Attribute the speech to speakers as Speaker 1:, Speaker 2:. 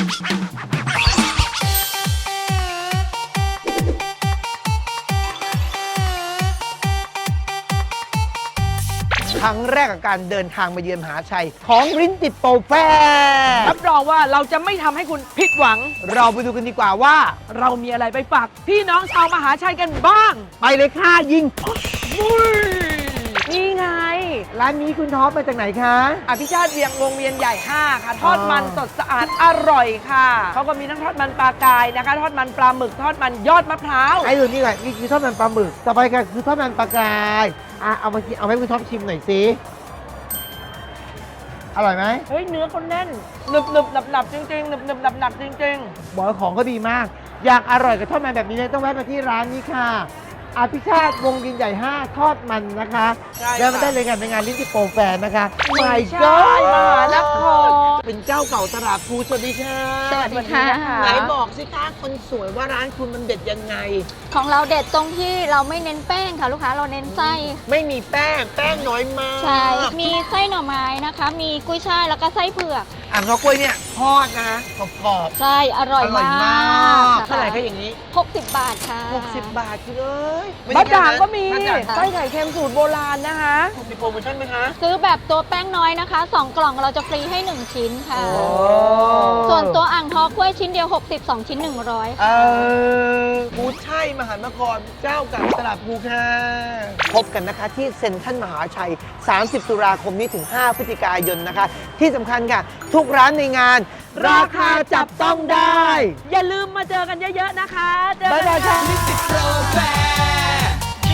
Speaker 1: ครั้งแรกกับการเดินทางมาเยือนมหาชัยของริ้นติดโปรแฟร์
Speaker 2: รับรองว่าเราจะไม่ทำให้คุณผิดหวัง
Speaker 1: เราไปดูกันดีกว่าว่า
Speaker 2: เรามีอะไรไปฝากพี่น้องชาวมหาชัยกันบ้าง
Speaker 1: ไปเลยค่ะยิง
Speaker 2: นี่ไง
Speaker 1: ร้านนี้คุณท็อปมาจากไหนคะ
Speaker 2: อภิชาติเวียงวงเวียนใหญ่ 5 ค่ะ ทอดมันสดสะอาดอร่อยค่ะ เขาก็มีทั้งทอดมันปลากายนะคะ ทอดมันปลาหมึก ทอดมันยอดมะพร้าว
Speaker 1: ไอ้ตัวนี้ก่อนนี่คือทอดมันปลาหมึกต่อไปก็คือทอดมันปลากรายเอามากินเอาให้คุณท็อปชิมหน่อยสิอร่อยไหม
Speaker 2: เฮ้ย เนื้อเขาแน่นหนึบหนึบหนับหนับจริงๆหนึบหนึบหนับหนับจริง
Speaker 1: บอกว่าของก็ดีมาก อยากอร่อยกับทอดมันแบบนี้เลยต้องแวะมาที่ร้านนี้ค่ะอภิชาติวงวินใหญ่ 5 ทอดมันนะคะ
Speaker 2: ใช่ค่ะ
Speaker 1: แล้วมาได้เลยกันในงานลิ้นติโปรแฟร์นะคะ
Speaker 2: ๆ
Speaker 1: My
Speaker 2: ใช่มหานคร
Speaker 1: เป็นเจ้าเก่าตลาดภูสวัสดีค่ะ
Speaker 3: สวัสดีค่ะ
Speaker 1: ไหนบอกสิคะคนสวยว่าร้านคุณมันเด็ดยังไง
Speaker 3: ของเราเด็ดตรงที่เราไม่เน้นแป้งค่ะลูกค้าเราเน้นไส้
Speaker 1: ไม่มีแป้งน้อยมาก
Speaker 3: ใช่ มีไส้หน่อไม้นะคะ มีกุ้ยช่ายแล้วก็ไส้เผือก
Speaker 1: อ่างทองกล้วยเนี่ยทอดนะกรอบ
Speaker 3: ใช่อร่อย
Speaker 1: อร่อย
Speaker 3: มาม
Speaker 1: าก
Speaker 3: ก
Speaker 1: เท่าไหร่คะอย่างนี้
Speaker 3: 60 บาทค่ะ
Speaker 1: 60 บาทคุณเอ้ย
Speaker 2: บะจ่างก็มี
Speaker 1: บะจ่าง
Speaker 2: ไส้ไข่เค็มสูตรโบราณนะคะ
Speaker 1: มีโปรโมชั่นไหมคะ
Speaker 3: ซื้อแบบตัวแป้งน้อยนะคะ 2 กล่องเราจะฟรีให้ 1 ชิ้นค่ะ
Speaker 1: โอ้
Speaker 3: ส่วนตัวอ่างทองกล้วยชิ้นเดียว 60 2 ชิ้น 100
Speaker 1: ภูชัยมหานครเจ้าเก่าตลาดภูค่ะพบกันนะคะที่เซ็นทรัลมหาชัย 30 ตุลาคมนี้ถึง 5 พฤศจิกายนนะคะ ที่สำคัญค่ะ ทุกร้านในงาน ราคาจับต้องได้
Speaker 2: อย่าลืมมาเจอกันเยอะๆนะคะเจอ
Speaker 1: บ๊าย
Speaker 2: กัน
Speaker 1: บาย
Speaker 2: ค่ะ
Speaker 1: ค่ะ